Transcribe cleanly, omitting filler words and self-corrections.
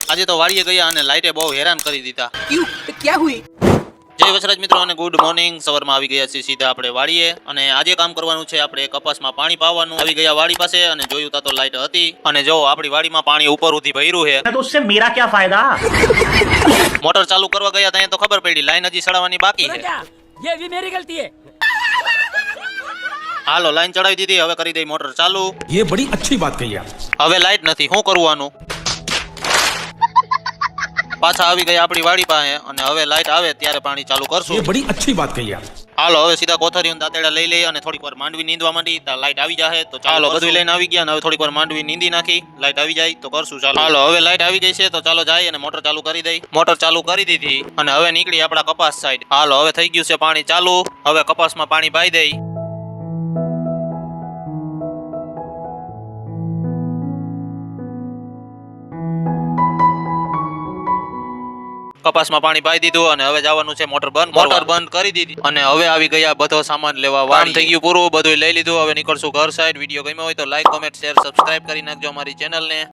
આજે તો વાડીએ ગયા અને લાઇટે બહુ હેરાન કરી દીધા। क्यों? क्या हुई? જય વસરાજ મિત્રો અને ગુડ મોર્નિંગ। સવારમાં આવી ગયા છીએ સીધા આપણે વાડીએ અને આજે કામ કરવાનું છે આપણે કપાસમાં પાણી પાવાનું। આવી ગયા વાડી પાસે અને જોયું તા તો લાઇટ હતી અને જો આપણી વાડીમાં પાણી ઉપર ઉધી ભર્યું છે। तो उससे मेरा क्या फायदा? મોટર ચાલુ કરવા ગયા ત્યાં તો ખબર પડી લાઈન હજી ચડાવવાની બાકી છે। क्या? ये भी मेरी गलती है। હાલો લાઈન ચડાવી દીધી, હવે કરી દઈ મોટર ચાલુ। ये बड़ी अच्छी बात कही आप। હવે લાઈટ નથી, શું કરવાનું? પાછા આવી ગયા આપણી વાડી પાસે અને હવે લાઈટ આવે ત્યારે પાણી ચાલુ ये કરશું। बड़ी अच्छी बात कही आप। હાલો હવે સીધા કોથળી અને દાંતેડા લઈ લઈ અને થોડીક વાર માંડવી નીંદવા માંડી તો લાઈટ આવી જાય। તો ચાલો બધું લઈને આવી ગયા અને હવે થોડીક વાર માંડવી નીંદી નાખી, લાઈટ આવી જાય તો કરશું ચાલો। હાલો હવે લાઈટ આવી ગઈ છે તો ચાલો જાય અને મોટર ચાલુ કરી દઈ। મોટર ચાલુ કરી દીધી અને હવે નીકળી આપણા કપાસ સાઈડ। હાલો હવે થઈ ગયું છે પાણી ચાલુ, હવે કપાસમાં પાણી પાઈ દઈ। કપાસમાં પાણી પાઈ દીધું અને હવે જવાનું છે મોટર બંધ કરી દીધી અને હવે આવી ગયા બધો સામાન લેવા વાળી। થઈ ગયું પૂરું, બધું લઈ લીધું, હવે નીકળશું ઘર સાઈડ। વિડીયો ગમ્યો હોય તો લાઈક, કોમેન્ટ, શેર, સબસ્ક્રાઇબ કરી નાખજો અમારી ચેનલને।